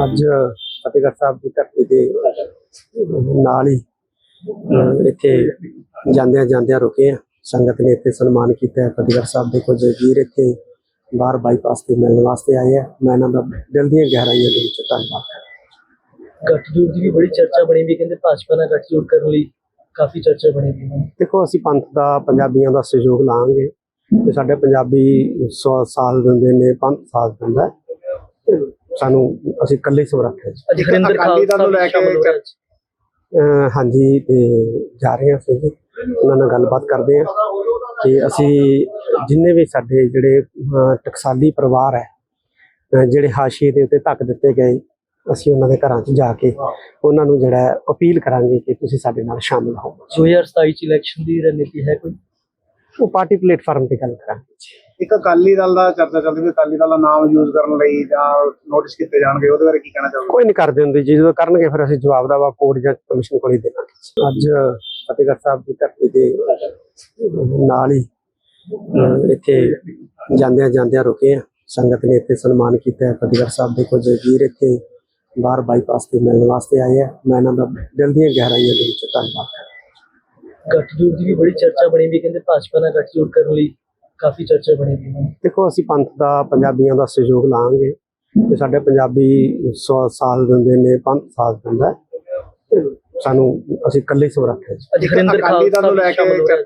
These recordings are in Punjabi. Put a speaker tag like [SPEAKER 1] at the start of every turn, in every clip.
[SPEAKER 1] ਅੱਜ ਫਤਿਹਗੜ੍ਹ ਸਾਹਿਬ ਦੀ ਧਰਤੀ ਦੇ ਨਾਲ ਹੀ ਇੱਥੇ ਜਾਂਦਿਆਂ ਰੁਕੇ ਆ। ਸੰਗਤ ਨੇ ਇੱਥੇ ਸਨਮਾਨ ਕੀਤਾ ਹੈ। ਫਤਿਹਗੜ੍ਹ ਸਾਹਿਬ ਦੇ ਕੁਝ ਵੀਰ ਇੱਥੇ ਬਾਹਰ ਬਾਈਪਾਸ ਤੇ ਮਿਲਣ ਵਾਸਤੇ ਆਏ ਆ। ਮੈਂ ਇਹਨਾਂ ਦਾ ਦਿਲ ਦੀਆਂ ਗਹਿਰਾਈਆਂ ਦੇ ਵਿੱਚ ਧੰਨਵਾਦ ਕਰਦਾ।
[SPEAKER 2] ਗੱਠਜੋੜ ਦੀ ਵੀ ਬੜੀ ਚਰਚਾ ਬਣੀ ਵੀ, ਕਹਿੰਦੇ ਭਾਜਪਾ ਨਾਲ ਗੱਠਜੋੜ ਕਰਨ ਲਈ ਕਾਫੀ ਚਰਚਾ ਬਣੀ ਵੀ।
[SPEAKER 1] ਦੇਖੋ, ਅਸੀਂ ਪੰਥ ਦਾ, ਪੰਜਾਬੀਆਂ ਦਾ ਸਹਿਯੋਗ ਲਾਂਗੇ ਤੇ ਸਾਡੇ ਪੰਜਾਬੀ 100 ਸਾਲ ਦਿੰਦੇ ਨੇ, ਪੰਥ ਸਾਥ ਦਿੰਦਾ। ਸਾਨੂੰ ਅਸੀਂ ਇਕੱਲੇ ਸਮਰੱਥ ਹਾਂ।
[SPEAKER 2] ਅੱਜ ਹਰਿੰਦਰ ਖਾਲਸਾ ਨੂੰ ਲੈ ਕੇ
[SPEAKER 1] ਹਾਂਜੀ, ਤੇ ਜਾ ਰਹੇ ਹਾਂ ਅਸੀਂ ਜੀ, ਉਹਨਾਂ ਨਾਲ ਗੱਲਬਾਤ ਕਰਦੇ ਹਾਂ ਕਿ ਅਸੀਂ ਜਿੰਨੇ ਵੀ ਸਾਡੇ ਜਿਹੜੇ ਟਕਸਾਲੀ ਪਰਿਵਾਰ ਹੈ, ਜਿਹੜੇ ਹਾਸ਼ੀਏ ਦੇ ਉੱਤੇ ਧੱਕ ਦਿੱਤੇ ਗਏ, ਅਸੀਂ ਉਹਨਾਂ ਦੇ ਘਰਾਂ 'ਚ ਜਾ ਕੇ ਉਹਨਾਂ ਨੂੰ ਜਿਹੜਾ ਅਪੀਲ ਕਰਾਂਗੇ ਕਿ ਤੁਸੀਂ ਸਾਡੇ ਨਾਲ ਸ਼ਾਮਿਲ ਹੋ।
[SPEAKER 2] 2027 ਚ ਇਲੈਕਸ਼ਨ ਦੀ ਰਣਨੀਤੀ ਹੈ ਕੋਈ?
[SPEAKER 1] ਉਹ ਪਾਰਟੀ ਪਲੇਟਫਾਰਮ ਤੇ ਗੱਲ ਕਰਾਂਗੇ ਜੀ।
[SPEAKER 3] ਇੱਕ ਅਕਾਲੀ ਦਲ ਦਾ ਚਰਚਾ ਚੱਲਦੀ ਵੀ ਅਕਾਲੀ ਦਲ ਦਾ ਨਾਮ ਯੂਜ਼ ਕਰਨ ਲਈ ਜਾਂ ਨੋਟਿਸ ਕੀਤੇ ਜਾਣਗੇ, ਉਹਦੇ ਬਾਰੇ ਕੀ ਕਹਿਣਾ ਚਾਹੋਗੇ?
[SPEAKER 1] ਕੋਈ ਨਹੀਂ ਕਰਦੇ ਹੁੰਦੇ ਜੀ, ਜਦੋਂ ਕਰਨਗੇ ਫਿਰ ਅਸੀਂ ਜਵਾਬ ਦਾ ਕੋਰਟ ਜਾਂ ਕਮਿਸ਼ਨ ਕੋਲ ਹੀ ਦੇਵਾਂਗੇ। ਅੱਜ ਫਤਿਹਗੜ੍ਹ ਸਾਹਿਬ ਦੀ ਧਰਤੀ ਦੇ ਨਾਲ ਹੀ ਇੱਥੇ ਜਾਂਦਿਆਂ ਰੁਕੇ ਆ। ਸੰਗਤ ਨੇ ਇੱਥੇ ਸਨਮਾਨ ਕੀਤਾ ਹੈ। ਫਤਿਹਗੜ੍ਹ ਸਾਹਿਬ ਦੇ ਕੁਝ ਵੀਰ ਇੱਥੇ ਬਾਹਰ ਬਾਈਪਾਸ ਤੇ ਮਿਲਣ ਵਾਸਤੇ ਆਏ ਆ। ਮੈਂ ਇਹਨਾਂ ਦਾ ਦਿਲ ਦੀਆਂ ਗਹਿਰਾਈਆਂ ਦੇ ਵਿੱਚ ਧੰਨਵਾਦ ਕਰਦਾ।
[SPEAKER 2] ਗੱਠਜੋੜ ਦੀ ਵੀ ਬੜੀ ਚਰਚਾ ਬਣੀ ਵੀ, ਕਹਿੰਦੇ ਭਾਜਪਾ ਨਾਲ ਗੱਠਜੋੜ ਕਰਨ ਲਈ ਕਾਫੀ ਚਰਚਾ ਬਣੀ ਵੀ।
[SPEAKER 1] ਦੇਖੋ, ਅਸੀਂ ਪੰਥ ਦਾ, ਪੰਜਾਬੀਆਂ ਦਾ ਸਹਿਯੋਗ ਲਾਂਗੇ ਤੇ ਸਾਡੇ ਪੰਜਾਬੀ 100 ਸਾਲ ਦਿੰਦੇ ਨੇ, ਪੰਥ ਸਾਥ ਦਿੰਦਾ। ਸਾਨੂੰ ਅਸੀਂ ਇਕੱਲੇ ਸਮਰੱਥ ਹਾਂ।
[SPEAKER 2] ਅੱਜ ਹਰਿੰਦਰ ਖਾਲਸਾ ਨੂੰ ਲੈ ਕੇ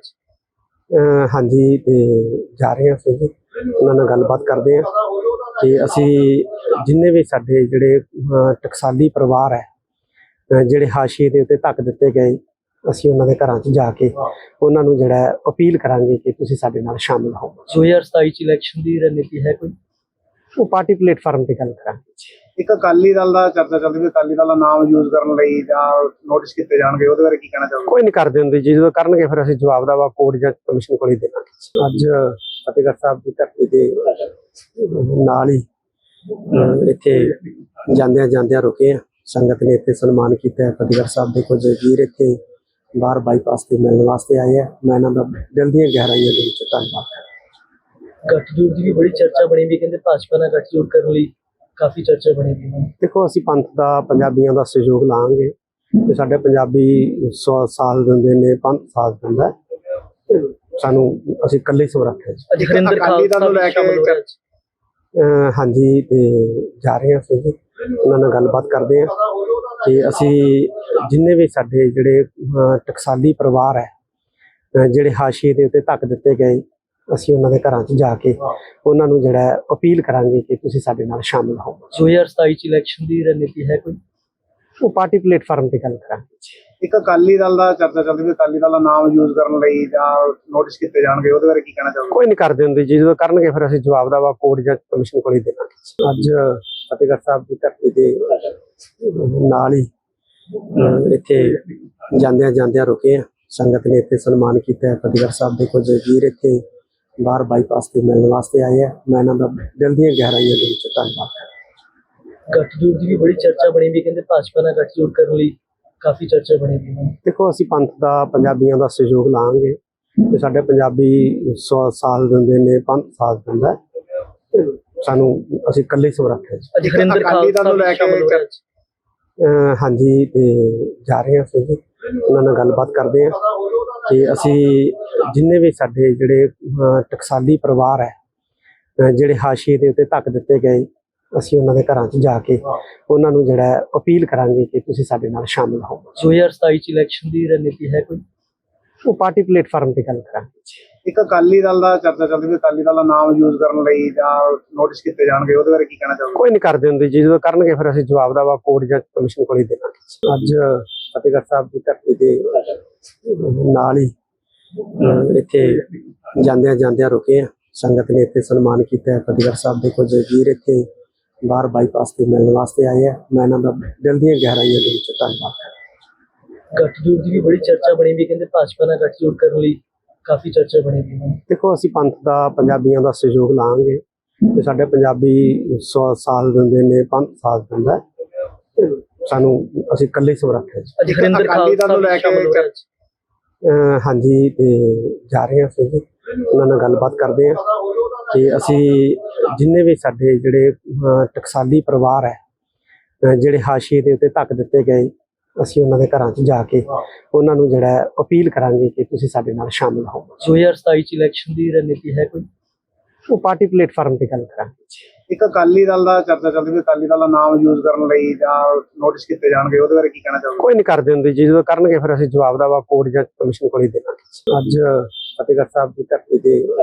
[SPEAKER 1] ਹਾਂਜੀ, ਤੇ ਜਾ ਰਹੇ ਹਾਂ ਅਸੀਂ ਜੀ, ਉਹਨਾਂ ਨਾਲ ਗੱਲਬਾਤ ਕਰਦੇ ਹਾਂ ਕਿ ਅਸੀਂ ਜਿੰਨੇ ਵੀ ਸਾਡੇ ਜਿਹੜੇ ਟਕਸਾਲੀ ਪਰਿਵਾਰ ਹੈ, ਜਿਹੜੇ ਹਾਸ਼ੀਏ ਦੇ ਉੱਤੇ ਧੱਕ ਦਿੱਤੇ ਗਏ, ਅਸੀਂ ਉਹਨਾਂ ਦੇ ਘਰਾਂ 'ਚ ਜਾ ਕੇ ਉਹਨਾਂ ਨੂੰ ਜਿਹੜਾ ਅਪੀਲ ਕਰਾਂਗੇ ਕਿ ਤੁਸੀਂ ਸਾਡੇ ਨਾਲ ਸ਼ਾਮਿਲ ਹੋ।
[SPEAKER 2] 2027 ਚ ਇਲੈਕਸ਼ਨ ਦੀ ਰਣਨੀਤੀ ਹੈ ਕੋਈ?
[SPEAKER 1] ਉਹ ਪਾਰਟੀ ਪਲੇਟਫਾਰਮ ਤੇ ਗੱਲ ਕਰਾਂਗੇ ਜੀ।
[SPEAKER 3] ਇੱਕ ਅਕਾਲੀ ਦਲ ਦਾ ਚਰਚਾ ਚੱਲਦੀ ਵੀ ਅਕਾਲੀ ਦਲ ਦਾ ਨਾਮ ਯੂਜ਼ ਕਰਨ ਲਈ ਜਾਂ ਨੋਟਿਸ ਕੀਤੇ ਜਾਣਗੇ, ਉਹਦੇ ਬਾਰੇ ਕੀ ਕਹਿਣਾ ਚਾਹੋਗੇ?
[SPEAKER 1] ਕੋਈ ਨਹੀਂ ਕਰਦੇ ਹੁੰਦੇ ਜੀ, ਜਦੋਂ ਕਰਨਗੇ ਫਿਰ ਅਸੀਂ ਜਵਾਬ ਦਾ ਕੋਰਟ ਜਾਂ ਕਮਿਸ਼ਨ ਕੋਲ ਹੀ ਦੇਵਾਂਗੇ। ਅੱਜ ਫਤਿਹਗੜ੍ਹ ਸਾਹਿਬ ਦੀ ਧਰਤੀ ਦੇ ਨਾਲ ਹੀ ਇੱਥੇ ਜਾਂਦਿਆਂ ਰੁਕੇ ਆ। ਸੰਗਤ ਨੇ ਇੱਥੇ ਸਨਮਾਨ ਕੀਤਾ ਹੈ। ਫਤਿਹਗੜ੍ਹ ਸਾਹਿਬ ਦੇ ਕੁਝ ਵੀਰ ਇੱਥੇ ਬਾਹਰ ਬਾਈਪਾਸ ਤੇ ਮਿਲਣ ਵਾਸਤੇ ਆਏ ਆ। ਮੈਂ ਇਹਨਾਂ ਦਾ ਦਿਲ ਦੀਆਂ ਗਹਿਰਾਈਆਂ ਦੇ ਵਿੱਚ ਧੰਨਵਾਦ ਕਰਦਾ।
[SPEAKER 2] ਗੱਠਜੋੜ ਦੀ ਵੀ ਬੜੀ ਚਰਚਾ ਬਣੀ ਵੀ, ਕਹਿੰਦੇ ਭਾਜਪਾ ਨਾਲ ਗੱਠਜੋੜ ਕਰਨ ਲਈ ਕਾਫੀ ਚਰਚਾ ਬਣੀ ਵੀ।
[SPEAKER 1] ਦੇਖੋ, ਅਸੀਂ ਪੰਥ ਦਾ, ਪੰਜਾਬੀਆਂ ਦਾ ਸਹਿਯੋਗ ਲਾਂਗੇ ਤੇ ਸਾਡੇ ਪੰਜਾਬੀ 100 ਸਾਲ ਦਿੰਦੇ ਨੇ, ਪੰਥ ਸਾਥ ਦਿੰਦਾ। ਸਾਨੂੰ ਅਸੀਂ ਇਕੱਲੇ ਸਮਰੱਥ ਹਾਂ।
[SPEAKER 2] ਅੱਜ ਹਰਿੰਦਰ ਖਾਲਸਾ ਨੂੰ ਲੈ ਕੇ
[SPEAKER 1] ਹਾਂਜੀ, ਤੇ ਜਾ ਰਹੇ ਹਾਂ ਅਸੀਂ ਜੀ, ਉਹਨਾਂ ਨਾਲ ਗੱਲਬਾਤ ਕਰਦੇ ਹਾਂ ਕਿ ਅਸੀਂ ਜਿੰਨੇ ਵੀ ਸਾਡੇ ਜਿਹੜੇ ਟਕਸਾਲੀ ਪਰਿਵਾਰ ਹੈ, ਜਿਹੜੇ ਹਾਸ਼ੀਏ ਦੇ ਉੱਤੇ ਧੱਕ ਦਿੱਤੇ ਗਏ, ਅਸੀਂ ਉਹਨਾਂ ਦੇ ਘਰਾਂ 'ਚ ਜਾ ਕੇ ਉਹਨਾਂ ਨੂੰ ਜਿਹੜਾ ਅਪੀਲ ਕਰਾਂਗੇ ਕਿ ਤੁਸੀਂ ਸਾਡੇ ਨਾਲ ਸ਼ਾਮਿਲ ਹੋ।
[SPEAKER 2] 2027 ਚ ਇਲੈਕਸ਼ਨ ਦੀ ਰਣਨੀਤੀ ਹੈ ਕੋਈ?
[SPEAKER 1] ਉਹ ਪਾਰਟੀ ਪਲੇਟਫਾਰਮ ਤੇ ਗੱਲ ਕਰਾਂਗੇ ਜੀ।
[SPEAKER 3] ਇੱਕ ਅਕਾਲੀ ਦਲ ਦਾ ਚਰਚਾ ਚੱਲਦੀ ਵੀ ਅਕਾਲੀ ਦਲ ਦਾ ਨਾਮ ਯੂਜ਼ ਕਰਨ ਲਈ ਜਾਂ ਨੋਟਿਸ ਕੀਤੇ ਜਾਣਗੇ, ਉਹਦੇ ਬਾਰੇ ਕੀ ਕਹਿਣਾ ਚਾਹੋਗੇ?
[SPEAKER 1] ਕੋਈ ਨਹੀਂ ਕਰਦੇ ਹੁੰਦੇ ਜੀ, ਜਦੋਂ ਕਰਨਗੇ ਫਿਰ ਅਸੀਂ ਜਵਾਬ ਦਾ ਕੋਰਟ ਜਾਂ ਕਮਿਸ਼ਨ ਕੋਲ ਹੀ ਦੇਵਾਂਗੇ। ਅੱਜ ਫਤਿਹਗੜ੍ਹ ਸਾਹਿਬ ਦੀ ਧਰਤੀ ਦੇ ਨਾਲ ਹੀ ਇੱਥੇ ਜਾਂਦਿਆਂ ਰੁਕੇ ਆ। ਸੰਗਤ ਨੇ ਇੱਥੇ ਸਨਮਾਨ ਕੀਤਾ ਹੈ। ਫਤਿਹਗੜ੍ਹ ਸਾਹਿਬ ਦੇ ਕੁਝ ਵੀਰ ਇੱਥੇ ਬਾਹਰ ਬਾਈਪਾਸ ਤੇ ਮਿਲਣ ਵਾਸਤੇ ਆਏ ਆ। ਮੈਂ ਇਹਨਾਂ ਦਾ ਦਿਲ ਦੀਆਂ ਗਹਿਰਾਈਆਂ ਦੇ ਵਿੱਚ ਧੰਨਵਾਦ ਕਰਦਾ।
[SPEAKER 2] ਗੱਠਜੋੜ ਦੀ ਵੀ ਬੜੀ ਚਰਚਾ ਬਣੀ ਵੀ, ਕਹਿੰਦੇ ਭਾਜਪਾ ਨਾਲ ਗੱਠਜੋੜ ਕਰਨ ਲਈ ਕਾਫੀ ਚਰਚਾ ਬਣੀ ਵੀ।
[SPEAKER 1] ਦੇਖੋ, ਅਸੀਂ ਪੰਥ ਦਾ, ਪੰਜਾਬੀਆਂ ਦਾ ਸਹਿਯੋਗ ਲਾਂਗੇ ਤੇ ਸਾਡੇ ਪੰਜਾਬੀ 100 ਸਾਲ ਦਿੰਦੇ ਨੇ, ਪੰਥ ਸਾਥ ਦਿੰਦਾ। ਸਾਨੂੰ ਅਸੀਂ ਇਕੱਲੇ ਸਮਰੱਥ ਹਾਂ।
[SPEAKER 2] ਅੱਜ ਹਰਿੰਦਰ ਖਾਲਸਾ ਨੂੰ ਲੈ ਕੇ
[SPEAKER 1] ਹਾਂਜੀ, ਤੇ ਜਾ ਰਹੇ ਹਾਂ ਅਸੀਂ ਜੀ, ਉਹਨਾਂ ਨਾਲ ਗੱਲਬਾਤ ਕਰਦੇ ਹਾਂ ਕਿ ਅਸੀਂ ਜਿੰਨੇ ਵੀ ਸਾਡੇ ਜਿਹੜੇ ਟਕਸਾਲੀ ਪਰਿਵਾਰ ਹੈ, ਜਿਹੜੇ ਹਾਸ਼ੀਏ ਦੇ ਉੱਤੇ ਧੱਕ ਦਿੱਤੇ ਗਏ, ਅਸੀਂ ਉਹਨਾਂ ਦੇ ਘਰਾਂ 'ਚ ਜਾ ਕੇ ਉਹਨਾਂ ਨੂੰ ਜਿਹੜਾ ਅਪੀਲ ਕਰਾਂਗੇ ਕਿ ਤੁਸੀਂ ਸਾਡੇ ਨਾਲ ਸ਼ਾਮਿਲ ਹੋ।
[SPEAKER 2] 2027 ਚ ਇਲੈਕਸ਼ਨ ਦੀ ਰਣਨੀਤੀ ਹੈ ਕੋਈ?
[SPEAKER 1] ਉਹ ਪਾਰਟੀ ਪਲੇਟਫਾਰਮ ਤੇ ਗੱਲ ਕਰਾਂਗੇ ਜੀ।
[SPEAKER 3] ਇੱਕ ਅਕਾਲੀ ਦਲ ਦਾ ਚਰਚਾ ਚੱਲਦੀ ਵੀ ਅਕਾਲੀ ਦਲ ਦਾ ਨਾਮ ਯੂਜ਼ ਕਰਨ ਲਈ ਜਾਂ ਨੋਟਿਸ ਕੀਤੇ ਜਾਣਗੇ, ਉਹਦੇ ਬਾਰੇ ਕੀ ਕਹਿਣਾ ਚਾਹੋਗੇ?
[SPEAKER 1] ਕੋਈ ਨਹੀਂ ਕਰਦੇ ਹੁੰਦੇ ਜੀ, ਜਦੋਂ ਕਰਨਗੇ ਫਿਰ ਅਸੀਂ ਜਵਾਬ ਦਾ ਕੋਰਟ ਜਾਂ ਕਮਿਸ਼ਨ ਕੋਲ ਹੀ ਦੇਵਾਂਗੇ। ਅੱਜ ਫਤਿਹਗੜ੍ਹ ਸਾਹਿਬ ਦੀ ਧਰਤੀ ਦੇ ਨਾਲ ਹੀ ਇੱਥੇ ਜਾਂਦਿਆਂ ਰੁਕੇ ਆ। ਸੰਗਤ ਨੇ ਇੱਥੇ ਸਨਮਾਨ ਕੀਤਾ ਹੈ। ਫਤਿਹਗੜ੍ਹ ਸਾਹਿਬ ਦੇ ਕੁਝ ਵੀਰ ਇੱਥੇ ਬਾਹਰ ਬਾਈਪਾਸ ਤੇ ਮਿਲਣ ਵਾਸਤੇ ਆਏ ਆ। ਮੈਂ ਇਹਨਾਂ ਦਾ ਦਿਲ ਦੀਆਂ ਗਹਿਰਾਈਆਂ ਦੇ ਵਿੱਚ ਧੰਨਵਾਦ ਕਰਦਾ।
[SPEAKER 2] ਗੱਠਜੋੜ ਦੀ ਵੀ ਬੜੀ ਚਰਚਾ ਬਣੀ ਵੀ, ਕਹਿੰਦੇ ਭਾਜਪਾ ਨਾਲ ਗੱਠਜੋੜ ਕਰਨ ਲਈ ਕਾਫੀ ਚਰਚਾ ਬਣੀ ਵੀ।
[SPEAKER 1] ਦੇਖੋ, ਅਸੀਂ ਪੰਥ ਦਾ, ਪੰਜਾਬੀਆਂ ਦਾ ਸਹਿਯੋਗ ਲਾਂਗੇ ਤੇ ਸਾਡੇ ਪੰਜਾਬੀ 100 ਸਾਲ ਦਿੰਦੇ ਨੇ, ਪੰਥ ਸਾਥ ਦਿੰਦਾ। ਸਾਨੂੰ ਅਸੀਂ ਇਕੱਲੇ ਸਮਰੱਥ ਹਾਂ।
[SPEAKER 2] ਅੱਜ ਹਰਿੰਦਰ ਖਾਲਸਾ ਨੂੰ ਲੈ ਕੇ
[SPEAKER 1] ਹਾਂਜੀ, ਤੇ ਜਾ ਰਹੇ ਹਾਂ ਅਸੀਂ ਜੀ, ਉਹਨਾਂ ਨਾਲ ਗੱਲਬਾਤ ਕਰਦੇ ਹਾਂ ਕਿ ਅਸੀਂ ਜਿੰਨੇ ਵੀ ਸਾਡੇ ਜਿਹੜੇ ਟਕਸਾਲੀ ਪਰਿਵਾਰ ਹੈ, ਜਿਹੜੇ ਹਾਸ਼ੀਏ ਦੇ ਉੱਤੇ ਧੱਕ ਦਿੱਤੇ ਗਏ, ਅਸੀਂ ਉਹਨਾਂ ਦੇ ਘਰਾਂ 'ਚ ਜਾ ਕੇ ਉਹਨਾਂ ਨੂੰ ਜਿਹੜਾ ਹੈ ਅਪੀਲ ਕਰਾਂਗੇ ਕਿ ਤੁਸੀਂ ਸਾਡੇ ਨਾਲ ਸ਼ਾਮਿਲ ਹੋ।
[SPEAKER 2] 2027 ਚ ਇਲੈਕਸ਼ਨ ਦੀ ਰਣਨੀਤੀ ਹੈ ਕੋਈ?
[SPEAKER 1] ਉਹ ਪਾਰਟੀ ਪਲੇਟਫਾਰਮ ਤੇ ਗੱਲ ਕਰਾਂਗੇ ਜੀ।
[SPEAKER 3] ਇੱਕ ਅਕਾਲੀ ਦਲ ਦਾ ਚਰਚਾ ਚੱਲਦੀ ਵੀ ਅਕਾਲੀ ਦਲ ਦਾ ਨਾਮ ਯੂਜ਼ ਕਰਨ ਲਈ ਜਾਂ ਨੋਟਿਸ ਕੀਤੇ ਜਾਣਗੇ, ਉਹਦੇ ਬਾਰੇ ਕੀ ਕਹਿਣਾ ਚਾਹੋਗੇ?
[SPEAKER 1] ਕੋਈ ਨਹੀਂ ਕਰਦੇ ਹੁੰਦੇ ਜੀ, ਜਦੋਂ ਕਰਨਗੇ ਫਿਰ ਅਸੀਂ ਜਵਾਬ ਦਾ ਵਾ ਕੋਰਟ ਜਾਂ ਕਮਿਸ਼ਨ ਕੋਲ ਹੀ ਦੇਵਾਂਗੇ। ਅੱਜ ਫਤਿਹਗੜ੍ਹ ਸਾਹਿਬ ਦੀ ਧਰਤੀ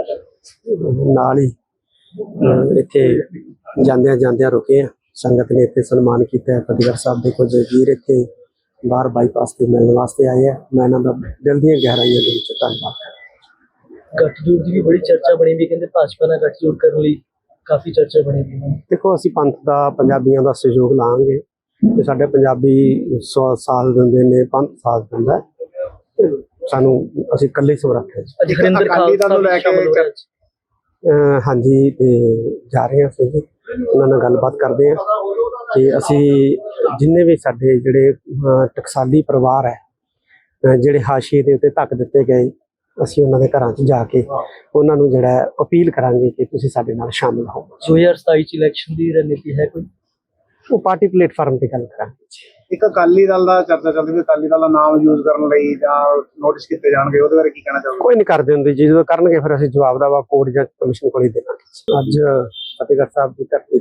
[SPEAKER 1] ਦੇ ਨਾਲ ਹੀ ਇੱਥੇ ਜਾਂਦਿਆਂ ਰੁਕੇ ਆ। ਸੰਗਤ ਨੇ ਇੱਥੇ ਸਨਮਾਨ ਕੀਤਾ ਹੈ। ਫਤਿਹਗੜ੍ਹ ਸਾਹਿਬ ਦੇ ਕੁਝ ਵੀਰ ਇੱਥੇ ਬਾਹਰ ਬਾਈਪਾਸ ਤੇ ਮਿਲਣ ਵਾਸਤੇ ਆਏ ਆ। ਮੈਂ ਇਹਨਾਂ ਦਾ ਦਿਲ ਦੀਆਂ ਗਹਿਰਾਈਆਂ ਦੇ ਵਿੱਚ ਧੰਨਵਾਦ ਕਰਦਾ।
[SPEAKER 2] ਗੱਠਜੋੜ ਦੀ ਵੀ ਬੜੀ ਚਰਚਾ ਬਣੀ ਵੀ, ਕਹਿੰਦੇ ਭਾਜਪਾ ਨਾਲ ਗੱਠਜੋੜ ਕਰਨ ਲਈ ਕਾਫੀ ਚਰਚਾ ਬਣੀ ਵੀ ਹੈ।
[SPEAKER 1] ਦੇਖੋ, ਅਸੀਂ ਪੰਥ ਦਾ, ਪੰਜਾਬੀਆਂ ਦਾ ਸਹਿਯੋਗ ਲਾਂਗੇ ਤੇ ਸਾਡੇ ਪੰਜਾਬੀ ਸਾਥ ਦਿੰਦੇ ਨੇ, ਪੰਥ ਸਾਥ ਦਿੰਦਾ ਹੈ। ਤੇ ਸਾਨੂੰ ਅਸੀਂ ਇਕੱਲੇ ਸਮਰੱਥ ਹਾਂ ਜੀ।
[SPEAKER 2] ਅੱਜ ਹਰਿੰਦਰ
[SPEAKER 3] ਅਕਾਲੀ ਦਲ ਨੂੰ ਲੈ ਕੇ
[SPEAKER 1] ਹਾਂਜੀ, ਤੇ ਜਾ ਰਹੇ ਹਾਂ ਅਸੀਂ ਜੀ, ਉਹਨਾਂ ਨਾਲ ਗੱਲਬਾਤ ਕਰਦੇ ਹਾਂ ਕਿ ਅਸੀਂ ਜਿੰਨੇ ਵੀ ਸਾਡੇ ਜਿਹੜੇ ਟਕਸਾਲੀ ਪਰਿਵਾਰ ਹੈ, ਜਿਹੜੇ ਹਾਸ਼ੀਏ ਦੇ ਉੱਤੇ ਧੱਕ ਦਿੱਤੇ ਗਏ, ਅਸੀਂ ਉਹਨਾਂ ਦੇ ਘਰਾਂ 'ਚ ਜਾ ਕੇ ਉਹਨਾਂ ਨੂੰ ਜਿਹੜਾ ਹੈ ਅਪੀਲ ਕਰਾਂਗੇ ਕਿ ਤੁਸੀਂ ਸਾਡੇ ਨਾਲ ਸ਼ਾਮਿਲ ਹੋ।
[SPEAKER 2] 2027 ਚ ਇਲੈਕਸ਼ਨ ਦੀ ਰਣਨੀਤੀ ਹੈ ਕੋਈ?
[SPEAKER 1] ਉਹ ਪਾਰਟੀ ਪਲੇਟਫਾਰਮ ਤੇ ਗੱਲ ਕਰਾਂਗੇ ਜੀ।
[SPEAKER 3] ਇੱਕ ਅਕਾਲੀ ਦਲ ਦਾ ਚਰਚਾ ਚੱਲਦੀ ਵੀ ਅਕਾਲੀ ਦਲ ਦਾ ਨਾਮ ਯੂਜ਼ ਕਰਨ ਲਈ ਜਾਂ ਨੋਟਿਸ ਕੀਤੇ ਜਾਣਗੇ, ਉਹਦੇ ਬਾਰੇ ਕੀ ਕਹਿਣਾ ਚਾਹੋਗੇ?
[SPEAKER 1] ਕੋਈ ਨਹੀਂ ਕਰਦੇ ਹੁੰਦੇ ਜੀ, ਜਦੋਂ ਕਰਨਗੇ ਫਿਰ ਅਸੀਂ ਜਵਾਬ ਦਾ ਵਾ ਕੋਰਟ ਜਾਂ ਕਮਿਸ਼ਨ ਕੋਲ ਹੀ ਦੇਵਾਂਗੇ। ਅੱਜ ਫਤਿਹਗੜ੍ਹ ਸਾਹਿਬ ਦੀ ਧਰਤੀ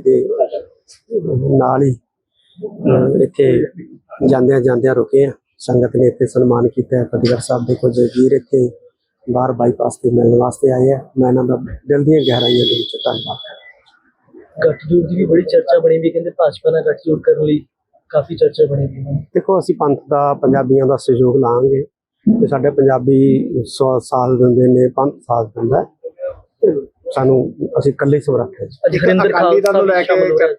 [SPEAKER 1] ਦੇ ਨਾਲ ਹੀ ਇੱਥੇ ਜਾਂਦਿਆਂ ਰੁਕੇ ਆ। ਸੰਗਤ ਨੇ ਇੱਥੇ ਸਨਮਾਨ ਕੀਤਾ ਹੈ। ਫਤਿਹਗੜ੍ਹ ਸਾਹਿਬ ਦੇ ਕੁਝ ਵੀਰ ਇੱਥੇ ਬਾਹਰ ਬਾਈਪਾਸ ਤੇ ਮਿਲਣ ਵਾਸਤੇ ਆਏ ਆ। ਮੈਂ ਇਹਨਾਂ ਦਾ ਦਿਲ ਦੀਆਂ ਗਹਿਰਾਈਆਂ ਦੇ ਵਿੱਚ ਧੰਨਵਾਦ ਕਰਦਾ।
[SPEAKER 2] ਗੱਠਜੋੜ ਦੀ ਵੀ ਬੜੀ ਚਰਚਾ ਬਣੀ ਵੀ, ਕਹਿੰਦੇ ਭਾਜਪਾ ਨਾਲ ਗੱਠਜੋੜ ਕਰਨ ਲਈ ਕਾਫੀ ਚਰਚਾ ਬਣੀ ਵੀ ਹੈ।
[SPEAKER 1] ਦੇਖੋ, ਅਸੀਂ ਪੰਥ ਦਾ, ਪੰਜਾਬੀਆਂ ਦਾ ਸਹਿਯੋਗ ਲਾਂਗੇ ਤੇ ਸਾਡੇ ਪੰਜਾਬੀ ਸਾਥ ਦਿੰਦੇ ਨੇ, ਪੰਥ ਸਾਥ ਦਿੰਦਾ ਹੈ। ਤੇ ਸਾਨੂੰ ਅਸੀਂ ਇਕੱਲੇ ਸਮਰੱਥ ਹਾਂ ਜੀ।
[SPEAKER 2] ਅੱਜ ਹਰਿੰਦਰ
[SPEAKER 3] ਅਕਾਲੀ ਦਲ ਨੂੰ ਲੈ ਕੇ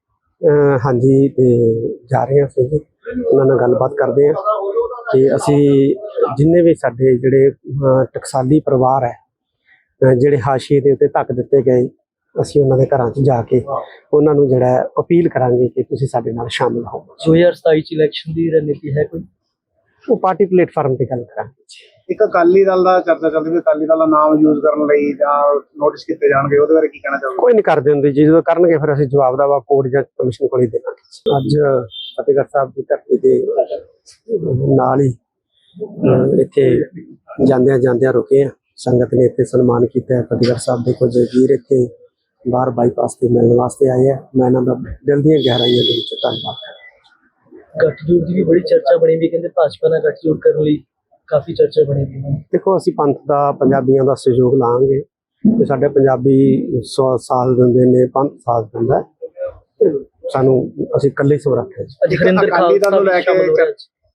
[SPEAKER 1] ਹਾਂਜੀ, ਤੇ ਜਾ ਰਹੇ ਹਾਂ ਅਸੀਂ ਜੀ, ਉਹਨਾਂ ਨਾਲ ਗੱਲਬਾਤ ਕਰਦੇ ਹਾਂ ਕਿ ਅਸੀਂ ਜਿੰਨੇ ਵੀ ਸਾਡੇ ਜਿਹੜੇ ਟਕਸਾਲੀ ਪਰਿਵਾਰ ਹੈ, ਜਿਹੜੇ ਹਾਸ਼ੀਏ ਦੇ ਉੱਤੇ ਧੱਕ ਦਿੱਤੇ ਗਏ, ਅਸੀਂ ਉਹਨਾਂ ਦੇ ਘਰਾਂ 'ਚ ਜਾ ਕੇ ਉਹਨਾਂ ਨੂੰ ਜਿਹੜਾ ਹੈ ਅਪੀਲ ਕਰਾਂਗੇ ਕਿ ਤੁਸੀਂ ਸਾਡੇ ਨਾਲ ਸ਼ਾਮਿਲ ਹੋ।
[SPEAKER 2] 2027 ਚ ਇਲੈਕਸ਼ਨ ਦੀ ਰਣਨੀਤੀ ਹੈ ਕੋਈ?
[SPEAKER 1] ਉਹ ਪਾਰਟੀ ਪਲੇਟਫਾਰਮ ਤੇ ਗੱਲ ਕਰਾਂਗੇ ਜੀ।
[SPEAKER 3] ਇੱਕ ਅਕਾਲੀ ਦਲ ਦਾ ਚਰਚਾ ਚੱਲਦੀ ਵੀ ਅਕਾਲੀ ਦਲ ਦਾ ਨਾਮ ਯੂਜ਼ ਕਰਨ ਲਈ ਜਾਂ ਨੋਟਿਸ ਕੀਤੇ ਜਾਣਗੇ, ਉਹਦੇ ਬਾਰੇ ਕੀ ਕਹਿਣਾ ਚਾਹੋਗੇ?
[SPEAKER 1] ਕੋਈ ਨਹੀਂ ਕਰਦੇ ਹੁੰਦੇ ਜੀ, ਜਦੋਂ ਕਰਨਗੇ ਫਿਰ ਅਸੀਂ ਜਵਾਬ ਦਾ ਵਾ ਕੋਰਟ ਜਾਂ ਕਮਿਸ਼ਨ ਕੋਲ ਹੀ ਦੇਵਾਂਗੇ। ਅੱਜ ਫਤਿਹਗੜ੍ਹ ਸਾਹਿਬ ਦੀ ਧਰਤੀ ਦੇ ਨਾਲ ਹੀ ਇੱਥੇ ਜਾਂਦਿਆਂ ਰੁਕੇ ਆ। ਸੰਗਤ ਨੇ ਇੱਥੇ ਸਨਮਾਨ ਕੀਤਾ ਹੈ। ਫਤਿਹਗੜ੍ਹ ਸਾਹਿਬ ਦੇ ਕੁਝ ਵੀਰ ਇੱਥੇ ਬਾਹਰ ਬਾਈਪਾਸ ਤੇ ਮਿਲਣ ਵਾਸਤੇ ਆਏ ਆ। ਮੈਂ ਇਹਨਾਂ ਦਾ ਦਿਲ ਦੀਆਂ ਗਹਿਰਾਈਆਂ ਦੇ ਵਿੱਚ ਧੰਨਵਾਦ ਕਰਦਾ।
[SPEAKER 2] ਗੱਠਜੋੜ ਦੀ ਵੀ ਬੜੀ ਚਰਚਾ ਬਣੀ ਵੀ, ਕਹਿੰਦੇ ਭਾਜਪਾ ਨਾਲ ਗੱਠਜੋੜ ਕਰਨ ਲਈ ਕਾਫੀ ਚਰਚਾ ਬਣੀ ਵੀ ਹੈ।
[SPEAKER 1] ਦੇਖੋ, ਅਸੀਂ ਪੰਥ ਦਾ, ਪੰਜਾਬੀਆਂ ਦਾ ਸਹਿਯੋਗ ਲਾਂਗੇ ਤੇ ਸਾਡੇ ਪੰਜਾਬੀ ਸਾਥ ਦਿੰਦੇ ਨੇ, ਪੰਥ ਸਾਥ ਦਿੰਦਾ ਹੈ। ਤੇ ਸਾਨੂੰ ਅਸੀਂ ਇਕੱਲੇ ਸਮਰੱਥ ਹਾਂ ਜੀ।
[SPEAKER 2] ਅੱਜ ਹਰਿੰਦਰ
[SPEAKER 3] ਅਕਾਲੀ ਦਲ ਨੂੰ ਲੈ ਕੇ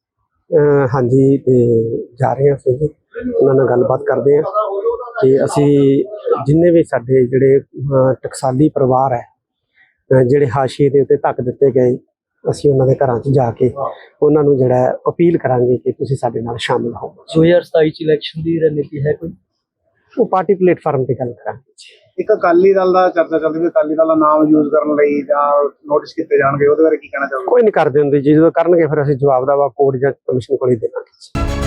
[SPEAKER 1] ਹਾਂਜੀ, ਤੇ ਜਾ ਰਹੇ ਹਾਂ ਅਸੀਂ ਜੀ, ਉਹਨਾਂ ਨਾਲ ਗੱਲਬਾਤ ਕਰਦੇ ਹਾਂ ਕਿ ਅਸੀਂ ਜਿੰਨੇ ਵੀ ਸਾਡੇ ਜਿਹੜੇ ਟਕਸਾਲੀ ਪਰਿਵਾਰ ਹੈ, ਜਿਹੜੇ ਹਾਸ਼ੀਏ ਦੇ ਉੱਤੇ ਧੱਕ ਦਿੱਤੇ ਗਏ, ਅਸੀਂ ਉਹਨਾਂ ਦੇ ਘਰਾਂ 'ਚ ਜਾ ਕੇ ਉਹਨਾਂ ਨੂੰ ਜਿਹੜਾ ਹੈ ਅਪੀਲ ਕਰਾਂਗੇ ਕਿ ਤੁਸੀਂ ਸਾਡੇ ਨਾਲ ਸ਼ਾਮਿਲ ਹੋ।
[SPEAKER 2] 2027 ਚ ਇਲੈਕਸ਼ਨ ਦੀ ਰਣਨੀਤੀ ਹੈ ਕੋਈ?
[SPEAKER 1] ਉਹ ਪਾਰਟੀ ਪਲੇਟਫਾਰਮ ਤੇ ਗੱਲ ਕਰਾਂਗੇ ਜੀ।
[SPEAKER 3] ਇੱਕ ਅਕਾਲੀ ਦਲ ਦਾ ਚਰਚਾ ਚੱਲਦੀ ਵੀ ਅਕਾਲੀ ਦਲ ਦਾ ਨਾਮ ਯੂਜ਼ ਕਰਨ ਲਈ ਜਾਂ ਨੋਟਿਸ ਕੀਤੇ ਜਾਣਗੇ, ਉਹਦੇ ਬਾਰੇ ਕੀ ਕਹਿਣਾ ਚਾਹੋਗੇ?
[SPEAKER 1] ਕੋਈ ਨਹੀਂ ਕਰਦੇ ਹੁੰਦੇ ਜੀ, ਜਦੋਂ ਕਰਨਗੇ ਫਿਰ ਅਸੀਂ ਜਵਾਬ ਦਾ ਵਾ ਕੋਰਟ ਜਾਂ ਕਮਿਸ਼ਨ ਕੋਲ ਹੀ ਦੇਵਾਂਗੇ।